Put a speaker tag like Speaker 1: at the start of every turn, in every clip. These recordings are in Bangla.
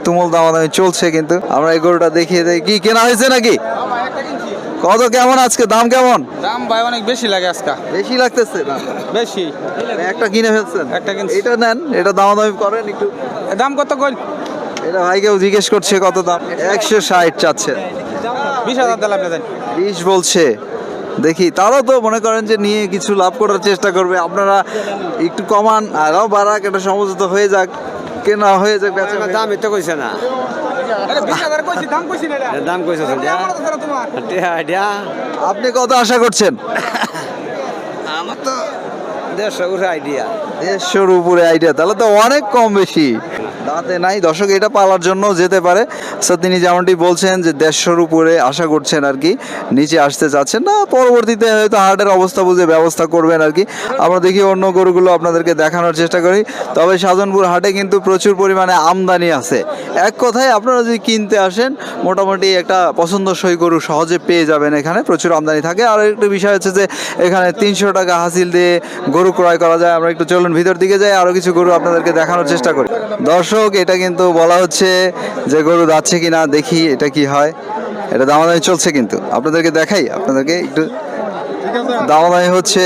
Speaker 1: তুমুল দামাদামি চলছে, কিন্তু আমরা এই গরুটা দেখিয়ে দেই। কি কেনা হয়েছে নাকি? কত কেমন আজকে দাম কেমন?
Speaker 2: দাম ভাই অনেক বেশি লাগে আজকে।
Speaker 1: বেশি লাগতেছে না?
Speaker 2: বেশি।
Speaker 1: একটা কিনে ফেলছেন?
Speaker 2: একটা কিনছি।
Speaker 1: এটা নেন, এটা দামাদামি করেন একটু।
Speaker 2: দাম কত কইল?
Speaker 1: এটা ভাইকেও জিজ্ঞেস করছে কত দাম। 160 চাচ্ছে।
Speaker 2: 20,000 দিলাম আপনি দেন।
Speaker 1: 20 বলছে। দেখি, তারাও তো মনে করেন যে নিয়ে কিছু লাভ করার চেষ্টা করবে। আপনারা একটু কমান, আরও বাড়াক, এটা সমঝোতা হয়ে যাক, কেনা হয়ে যাক, বেচা
Speaker 3: দাম এটা কইছে না,
Speaker 2: আরে 20,000 কইছি, দাম কইছি না এটা।
Speaker 3: দাম কইছে তোমার।
Speaker 1: আপনি কত আশা করছেন?
Speaker 3: আমার তো 150 উঠে আইডিয়া।
Speaker 1: 150-র উপরে আইডিয়া, তাহলে তো অনেক কম বেশি। দাঁতে নাই দর্শক, এটা পালার জন্য যেতে পারে। সো তিনি যেমনটি বলছেন যে 150-র উপরে আশা করছেন আর কি, নিচে আসতে চাচ্ছেন না। পরবর্তীতে হয়তো হাটের অবস্থা বুঝে ব্যবস্থা করবেন আর কি। আমরা দেখি অন্য গরুগুলো আপনাদেরকে দেখানোর চেষ্টা করি। তবে সাধনপুর হাটে কিন্তু প্রচুর পরিমাণে আমদানি আছে। এক কথায় আপনারা যদি কিনতে আসেন, মোটামুটি একটা পছন্দসই গরু সহজে পেয়ে যাবেন। এখানে প্রচুর আমদানি থাকে। আর একটা বিষয় হচ্ছে যে এখানে 300 টাকা হাসিল দিয়ে গরু ক্রয় করা যায়। আমরা একটু চলুন ভিতর দিকে যাই, আরও কিছু গরু আপনাদেরকে দেখানোর চেষ্টা করি। দর্শক, এটা কিন্তু বলা হচ্ছে যে গরু যাচ্ছে কিনা, দেখি এটা কি হয়। এটা দামাদামি চলছে, কিন্তু আপনাদেরকে দেখাই, আপনাদেরকে একটু দামাদামি হচ্ছে।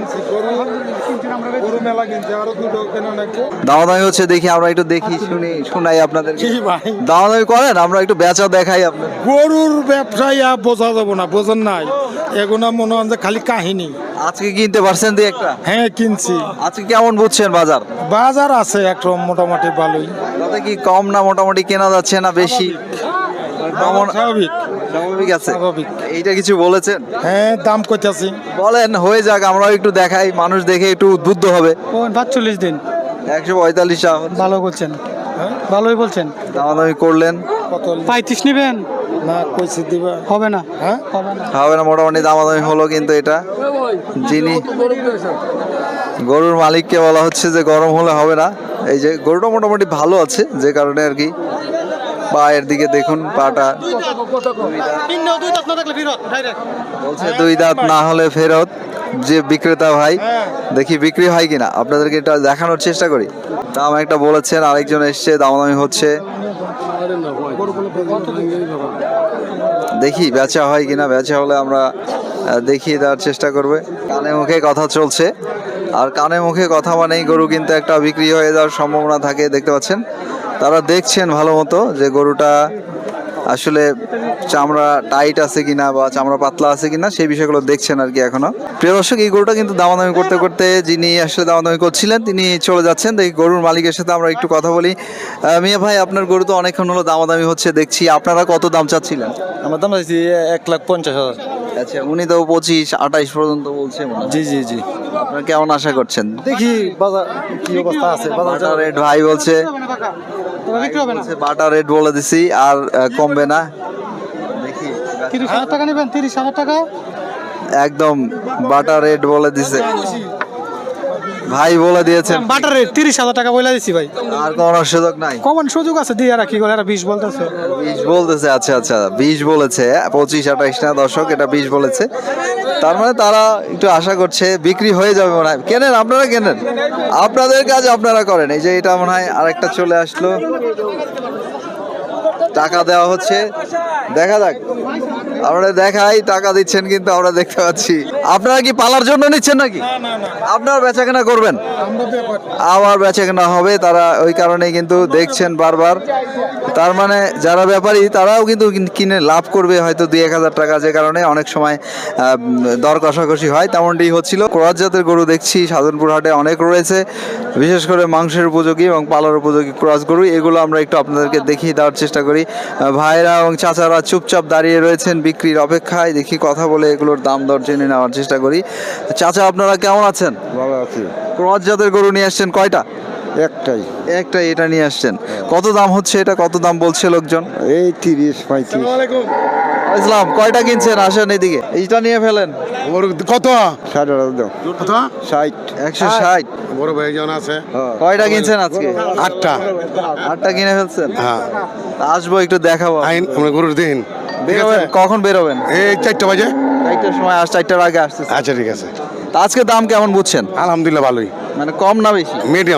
Speaker 1: দামাদামি হচ্ছে, দেখি আমরা একটু দেখি শুনি শোনাই আপনাদের। দামাদামি করেন, আমরা একটু বেচা দেখাই আপনার।
Speaker 4: গরুর ব্যবসায়ী বোঝা যাবো না, বোঝেন নাই, এগুলো মনে হয় যে খালি কাহিনী।
Speaker 1: আজকে কিনতে পারছেন দিয়ে একটা?
Speaker 4: হ্যাঁ কিনছি।
Speaker 1: আজকে কেমন বুঝছেন বাজার?
Speaker 4: বাজার আছে একটা মোটামুটি ভালোই।
Speaker 1: তাতে কি কম না মোটামুটি কেনা যাচ্ছে না বেশি?
Speaker 4: স্বাভাবিক
Speaker 1: স্বাভাবিক আছে।
Speaker 4: স্বাভাবিক।
Speaker 1: এইটা কিছু বলেছেন?
Speaker 4: হ্যাঁ দাম কইতাছি।
Speaker 1: বলেন, হয়ে যাক, আমরাও একটু দেখাই, মানুষ দেখে একটু উদ্বুদ্ধ হবে।
Speaker 4: 45 দিন
Speaker 1: 145 টাকা
Speaker 4: ভালো বলছেন, ভালোই বলছেন।
Speaker 1: দামাদামি করলেন?
Speaker 4: 35 নেবেন না? কইছি দিবা, হবে না। হ্যাঁ হবে না,
Speaker 1: হবে না, মোটামুটি দামাদামি হলো। কিন্তু এটা যিনি গরুর মালিককে বলা হচ্ছে যে গরম হলে হবে না। এই যে গরুটা মোটামুটি ভালো আছে, যে কারণে আর কি। পায়ের দিকে দেখুন, পাটা বলছে 2 দাঁত না হলে ফেরত। যে বিক্রেতা ভাই, দেখি বিক্রি হয় কিনা, আপনাদেরকে এটা দেখানোর চেষ্টা করি। দাম একটা বলেছেন, আরেকজন এসছে, দামাদামি হচ্ছে। দেখি বেচা হয় কিনা, বেচা হলে আমরা দেখিয়ে দেওয়ার চেষ্টা করবে। কানে মুখে কথা চলছে, আর কানে মুখে কথা মানেই গরু কিন্তু একটা বিক্রি হয়ে যাওয়ার সম্ভাবনা থাকে। দেখতে পাচ্ছেন, তারা দেখছেন ভালো মতো যে গরুটা আসলে চামড়া টাইট আছে কিনা বা চামড়া পাতলা আছে কিনা, সেই বিষয়গুলো দেখছেন আর কি এখনো। প্রিয় দর্শক, এই গরুটা কিন্তু দামাদামি করতে করতে যিনি আসলে দামাদামি করছিলেন তিনি চলে যাচ্ছেন। দেখি গরুর মালিকের সাথে আমরা একটু কথা বলি। মিয়া ভাই, আপনার গরু তো অনেকক্ষণ হলো দামাদামি হচ্ছে দেখছি, আপনারা কত দাম চাচ্ছিলেন?
Speaker 5: আমার দাম চাইছি 1,50,000।
Speaker 1: আচ্ছা, উনি তো 25-28 পর্যন্ত বলছে।
Speaker 5: জি জি জি,
Speaker 1: আপনারা কেমন আশা করছেন?
Speaker 5: দেখি বাজার কি অবস্থা আছে।
Speaker 1: বাটার রেট ভাই বলছে, বাটার রেট বলে দিছি, আর কমবে না। দেখি
Speaker 4: 30,000 টাকা নেবেন? 30,000 টাকা
Speaker 1: একদম বাটার রেট বলে দিছে ভাই, বলে দিয়েছেন।
Speaker 4: বাটার রেট 30,000 টাকা বলে দিছি ভাই।
Speaker 1: আর কোনো সুযোগ নাই?
Speaker 4: কমন সুযোগ আছে, দিয়ে আর কি করে, আর 20 বলতেছে।
Speaker 1: 20 বলতেছে? আচ্ছা আচ্ছা, 20 বলেছে, 25-28 না দর্শক, এটা 20 বলেছে। তার মানে তারা একটু আশা করছে বিক্রি হয়ে যাবে মনে হয়। কেনেন, আপনারা কেনেন, আপনাদের কাজ আপনারা করেন। এই যে এটা মনে হয় আরেকটা চলে আসলো, টাকা দেওয়া হচ্ছে, দেখা যাক। আমরা দেখাই, টাকা দিচ্ছেন কিন্তু আমরা দেখতে পাচ্ছি। আপনারা কি পালার জন্য নিচ্ছেন নাকি? আপনারা বেচাকেনা করবেন? আবার বেচাকেনা হবে, তারা ওই কারণেই কিন্তু দেখছেন বারবার। তার মানে যারা ব্যাপারী তারাও কিন্তু কিনে লাভ করবে হয়তো 2-1 হাজার টাকা, যে কারণে অনেক সময় দর কষাকষি হয়। তেমনটি হচ্ছিল। ক্রস জাতের গরু দেখছি সাধনপুর হাটে অনেক রয়েছে, বিশেষ করে মাংসের উপযোগী এবং পালার উপযোগী ক্রস গরু। এগুলো আমরা একটু আপনাদেরকে দেখিয়ে দেওয়ার চেষ্টা করি। ভাইরা এবং চাচারা চুপচাপ দাঁড়িয়ে রয়েছেন বিক্রির অপেক্ষায়। দেখি কথা বলে এগুলোর দাম দর জেনে নেওয়ার চেষ্টা করি। চাচা, আপনারা কেমন আছেন?
Speaker 6: ভালো আছি।
Speaker 1: ক্রস জাতের গরু নিয়ে আসছেন কয়টা?
Speaker 6: একটাই।
Speaker 1: একটাই, এটা নিয়ে আসছেন। কত দাম হচ্ছে এটা? কত দাম বলছে লোকজন?
Speaker 6: এই 30-35।
Speaker 1: ইসলাম, কয়টা কিনছেন? আসেন এদিকে, এইটা নিয়ে ফেলেন।
Speaker 4: কত?
Speaker 6: 60 দাও।
Speaker 4: কত?
Speaker 6: 60।
Speaker 1: 160।
Speaker 4: বড় ভাই জন আছে।
Speaker 1: কয়টা কিনছেন আজকে?
Speaker 4: 8টা।
Speaker 1: 8টা কিনে ফেলছেন?
Speaker 4: হ্যাঁ।
Speaker 1: আসবো, একটু দেখাবো।
Speaker 4: আইন আমরা গরুর দিন।
Speaker 1: বেরোবেন কখন? বেরোবেন
Speaker 4: এই 4টা বাজে।
Speaker 1: 4টার সময়, 4টার আগে আসতেছে।
Speaker 4: আচ্ছা ঠিক আছে।
Speaker 1: তা আজকে দাম কেমন বুঝছেন?
Speaker 4: আলহামদুলিল্লাহ ভালোই,
Speaker 1: মানে কম না বেশি?
Speaker 4: মিডিয়াম।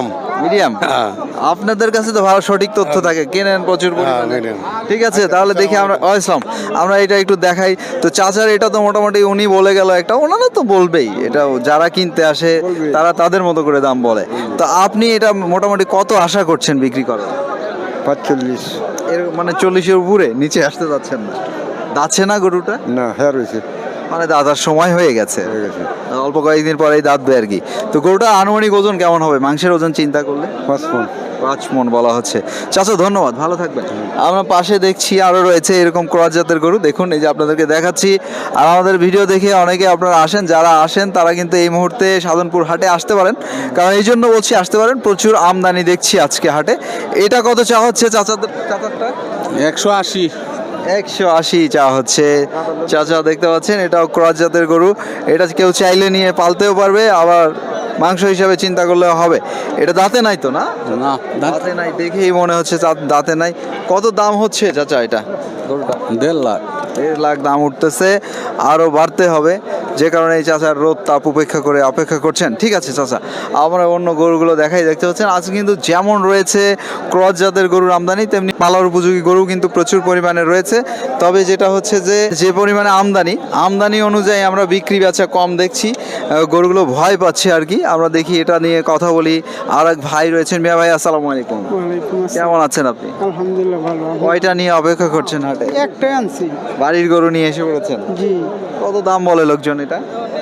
Speaker 1: মিডিয়াম আপনাদের কাছে তো ভালো সঠিক তথ্য থাকে, কেনেন প্রচুর পরিমাণে। ঠিক আছে, তাহলে দেখি আমরা ইসলাম আমরা এটা একটু দেখাই। তো চাচার এটা তো মোটামুটি উনি বলে গেল একটা, ওনারা তো বলবেই, এটা যারা কিনতে আসে তারা তাদের মতো করে দাম বলে। তো আপনি এটা মোটামুটি কত আশা করছেন বিক্রি করার?
Speaker 6: 45
Speaker 1: এর মানে 40-এর উপরে, নিচে আসতে যাচ্ছেন না? দাচ্ছে না গরুটা?
Speaker 6: না হ্যাঁ রয়েছে
Speaker 1: মানে দাদার সময় হয়ে গেছে,
Speaker 6: হয়ে গেছে
Speaker 1: অল্প কয়েকদিন পরেই দাঁতবে আর কি। তো গরুটা আনুমানিক ওজন কেমন হবে মাংসের ওজন চিন্তা করলে?
Speaker 6: 5 মণ
Speaker 1: 5 মণ বলা হচ্ছে। চাচা ধন্যবাদ, ভালো থাকবেন। আমরা পাশে দেখছি আরো রয়েছে এরকম ক্রস জাতের গরু, দেখুন এই যে আপনাদেরকে দেখাচ্ছি। আর আমাদের ভিডিও দেখে অনেকে আপনারা আসেন, যারা আসেন তারা কিন্তু এই মুহূর্তে সাধনপুর হাটে আসতে পারেন, কারণ এই জন্য বলছি আসতে পারেন, প্রচুর আমদানি দেখছি আজকে হাটে। এটা কত চা হচ্ছে চাচারটা?
Speaker 2: 180।
Speaker 1: 180 চা হচ্ছে। চাচা দেখতে পাচ্ছেন এটাও ক্রস জাতের গরু, এটা কেউ চাইলে নিয়ে পালতেও পারবে, আবার মাংস হিসাবে চিন্তা করলে হবে। এটা দাঁতে নাই তো না?
Speaker 2: না
Speaker 1: দাঁতে নাই, দেখেই মনে হচ্ছে দাঁতে নাই। কত দাম হচ্ছে চাচা এটা গরুটা?
Speaker 2: 1.5 লাখ।
Speaker 1: 1.5 লাখ দাম উঠতেছে, আরও বাড়তে হবে, যে কারণে এই চাচার রোদ তাপ অপেক্ষা করছেন। ঠিক আছে চাচা, আমরা অন্য গরুগুলো দেখাই। দেখতে পাচ্ছেন আজ কিন্তু যেমন রয়েছে ক্রস জাতের গরুর আমদানি, তেমনি পালার উপযোগী গরু কিন্তু প্রচুর পরিমাণে রয়েছে। তবে যেটা হচ্ছে যে পরিমাণে আমদানি অনুযায়ী আমরা বিক্রি বেচা কম দেখছি, গরুগুলো ভয় পাচ্ছে আর কি। আমরা দেখি এটা নিয়ে কথা বলি। আর এক ভাই রয়েছেন, মিয়া ভাই আসসালামু আলাইকুম, কেমন আছেন আপনি?
Speaker 5: আলহামদুলিল্লাহ ভালো।
Speaker 1: কয়টা নিয়ে অপেক্ষা করছেন হাটে?
Speaker 5: একটাই আনছি।
Speaker 1: বাড়ির গরু নিয়ে এসে পড়েছেন?
Speaker 5: জি।
Speaker 1: কত দাম বলে লোকজন এটা?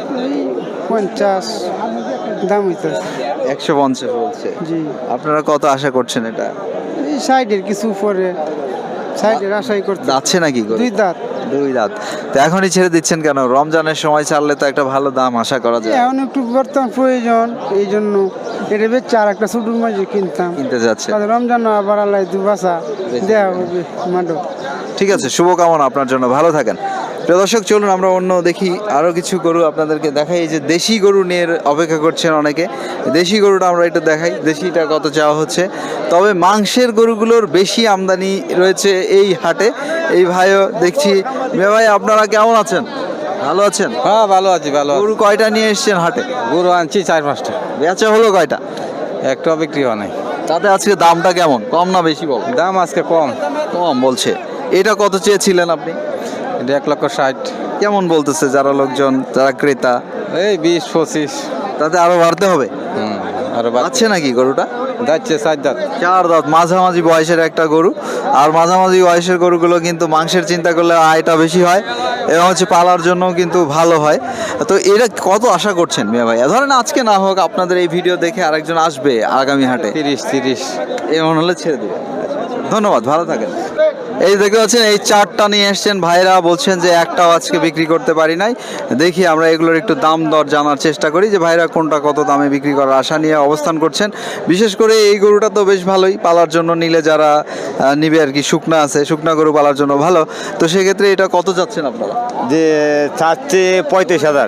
Speaker 5: 50 দাম হইতেছে।
Speaker 1: 150 বলছে।
Speaker 5: জি।
Speaker 1: আপনারা কত আশা করছেন এটা?
Speaker 5: এই সাইডের কিছু উপরে, সাইডের আশাই করতে।
Speaker 1: যাচ্ছে নাকি গরু?
Speaker 5: 2 দাঁত।
Speaker 1: 2 দাঁত। তো এখনই ছেড়ে দিচ্ছেন কেন? রমজানের সময় ছাড়লে তো একটা ভালো দাম আশা করা যায়।
Speaker 5: এখন একটু বর্তমান প্রয়োজন, এই জন্য এটা বেচে আর একটা ছোট মাঝে কিনতাম।
Speaker 1: কিনতে যাচ্ছে।
Speaker 5: তাহলে রমজান আবার আল্লাহ দুবাসা দেওয়া হবে মাডো।
Speaker 1: ঠিক আছে, শুভকামনা আপনার জন্য, ভালো থাকেন। প্রিয় দর্শক চলুন আমরা অন্য দেখি আরও কিছু গরু আপনাদেরকে দেখাই। এই যে দেশি গরু নিয়ে অপেক্ষা করছেন অনেকে, দেশি গরুটা আমরা একটু দেখাই, দেশিটা কত চাওয়া হচ্ছে। তবে মাংসের গরুগুলোর বেশি আমদানি রয়েছে এই হাটে। এই ভাইও দেখছি। মেয়ে ভাই আপনারা কেমন আছেন? ভালো আছেন?
Speaker 2: হ্যাঁ ভালো আছি, ভালো আছি।
Speaker 1: গরু কয়টা নিয়ে এসছেন হাটে?
Speaker 2: গরু আনছি 4-5টা।
Speaker 1: বেচা হলো কয়টা?
Speaker 2: একটা বিক্রি হয় নাই।
Speaker 1: তাতে আজকে দামটা কেমন, কম না বেশি বল?
Speaker 2: দাম আজকে কম।
Speaker 1: কম বলছে। এটা কত চেয়েছিলেন আপনি?
Speaker 2: এটা 1,60,000।
Speaker 1: কেমন বলতেছে যারা লোকজন, যারা ক্রেতা?
Speaker 2: এই 20-25।
Speaker 1: তাতে আরো বাড়তে হবে।
Speaker 2: আর
Speaker 1: আছে নাকি গরুটা?
Speaker 2: যাচ্ছে 4 দাঁত।
Speaker 1: 4 দাঁত, মাঝামাঝি বয়সের একটা গরু। আর মাঝামাঝি বয়সের গরুগুলো কিন্তু মাংসের চিন্তা করলে আয়টা বেশি হয় এবং হচ্ছে পালার জন্য কিন্তু ভালো হয়। তো এটা কত আশা করছেন মিয়া ভাই? ধরেন আজকে না হোক, আপনাদের এই ভিডিও দেখে আরেকজন আসবে আগামী হাটে,
Speaker 2: 30
Speaker 1: এমন হলে ছেড়ে দেবে। ধন্যবাদ, ভালো থাকেন। এই দেখতে পাচ্ছেন এই 4টা নিয়ে এসছেন ভাইরা, বলছেন যে একটাও আজকে বিক্রি করতে পারি নাই। দেখি আমরা এগুলোর একটু দাম দর জানার চেষ্টা করি, যে ভাইরা কোনটা কত দামে বিক্রি করার আশা নিয়ে অবস্থান করছেন। বিশেষ করে এই গরুটা তো বেশ ভালোই, পালার জন্য নিলে যারা নিবে আর কি, শুকনা আছে, শুকনা গরু পালার জন্য ভালো। তো সেক্ষেত্রে এটা কত যাচ্ছেন আপনারা?
Speaker 7: যে চাচ্ছে 35,000।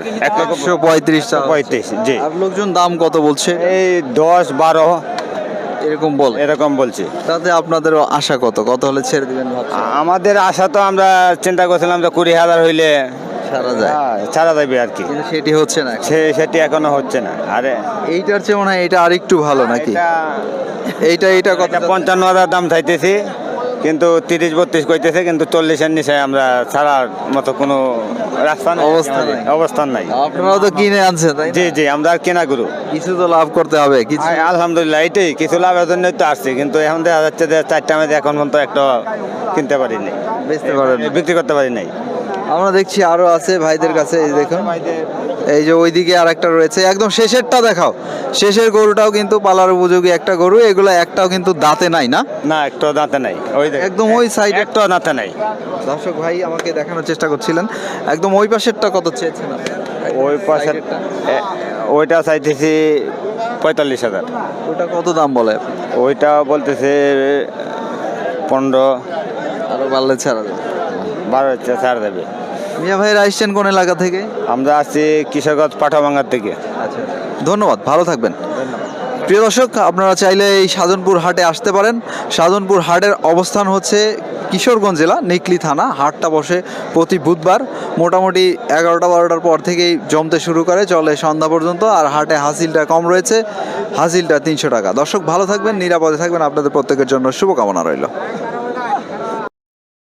Speaker 1: 135 টাকা।
Speaker 7: 35, জি।
Speaker 1: আর লোকজন দাম কত বলছে?
Speaker 7: এই 10-12
Speaker 1: এরকম বল,
Speaker 7: এরকম বলছে।
Speaker 1: তাতে আপনাদের আশা কত হলে ছেড়ে দিবেন ভাবছেন?
Speaker 7: আমাদের আশা তো আমরা চিন্তা করছিলাম যে 20,000 হইলে
Speaker 1: সারা যায়,
Speaker 7: ছাড়া যাবে আর কি।
Speaker 1: কিন্তু সেটি হচ্ছে না।
Speaker 7: সেটি এখনো হচ্ছে না। আরে
Speaker 1: এইটার চেয়ে মনে হয় এটা আরেকটু ভালো নাকি? এইটা কত?
Speaker 7: 55,000 দাম চাইতেছি, কিন্তু 30-32 কইতেছে, কিন্তু 40-এর নিচে আমরা ছাড়ার মতো কোনো রাস্তা নেই, অবস্থান নাই।
Speaker 1: আপনারাও তো কিনে আনছেন তাই না?
Speaker 7: জি জি, আমরা আর কেনা গুরু।
Speaker 1: কিছু তো লাভ করতে হবে কিছু।
Speaker 7: আলহামদুলিল্লাহ, এটাই কিছু লাভের জন্যই তো আসছি, কিন্তু এখন দেখা যাচ্ছে যে 4টা মেয়াদে এখন পর্যন্ত একটা কিনতে পারিনি,
Speaker 1: বেচতে পারেন,
Speaker 7: বিক্রি করতে পারি নাই।
Speaker 1: আমরা দেখছি আরো আছে ভাইদের কাছে। এই দেখুন, এই যে ওইদিকে আর একটা রয়েছে, একদম শেষেরটা দেখাও। শেষের গরুটাও কিন্তু পালার উপযোগী একটা গরু। এগুলো একটাও কিন্তু দাঁতে নাই না?
Speaker 7: না, একটু দাঁতে নাই। ওই
Speaker 1: একদম ওই সাইড
Speaker 7: একটু দাঁতে নাই।
Speaker 1: দর্শক ভাই আমাকে দেখানোর চেষ্টা করছিলেন, একদম ওই পাশেরটা কত চেয়েছেন?
Speaker 7: ওই পাশে ওইটা চাইতেছি 45,000।
Speaker 1: ওটা কত দাম বলে?
Speaker 7: ওইটা বলতেছে 15,
Speaker 1: আরো বাড়লে ছাড়া যাবে।
Speaker 7: 12 ছাড় দেবে।
Speaker 1: মিয়া ভাইয়ের আসছেন কোন এলাকা থেকে?
Speaker 7: আমরা আসছি কিশোরগঞ্জ পাঠাভাঙ্গার থেকে।
Speaker 1: আচ্ছা, ধন্যবাদ, ভালো থাকবেন। প্রিয় দর্শক, আপনারা চাইলে এই সাধনপুর হাটে আসতে পারেন। সাধনপুর হাটের অবস্থান হচ্ছে কিশোরগঞ্জ জেলা, নিকলি থানা। হাটটা বসে প্রতি বুধবার, মোটামুটি 11টা-12টার পর থেকেই জমতে শুরু করে, চলে সন্ধ্যা পর্যন্ত। আর হাটে হাসিলটা কম রয়েছে, হাসিলটা 300 টাকা। দর্শক ভালো থাকবেন, নিরাপদে থাকবেন, আপনাদের প্রত্যেকের জন্য শুভকামনা রইল।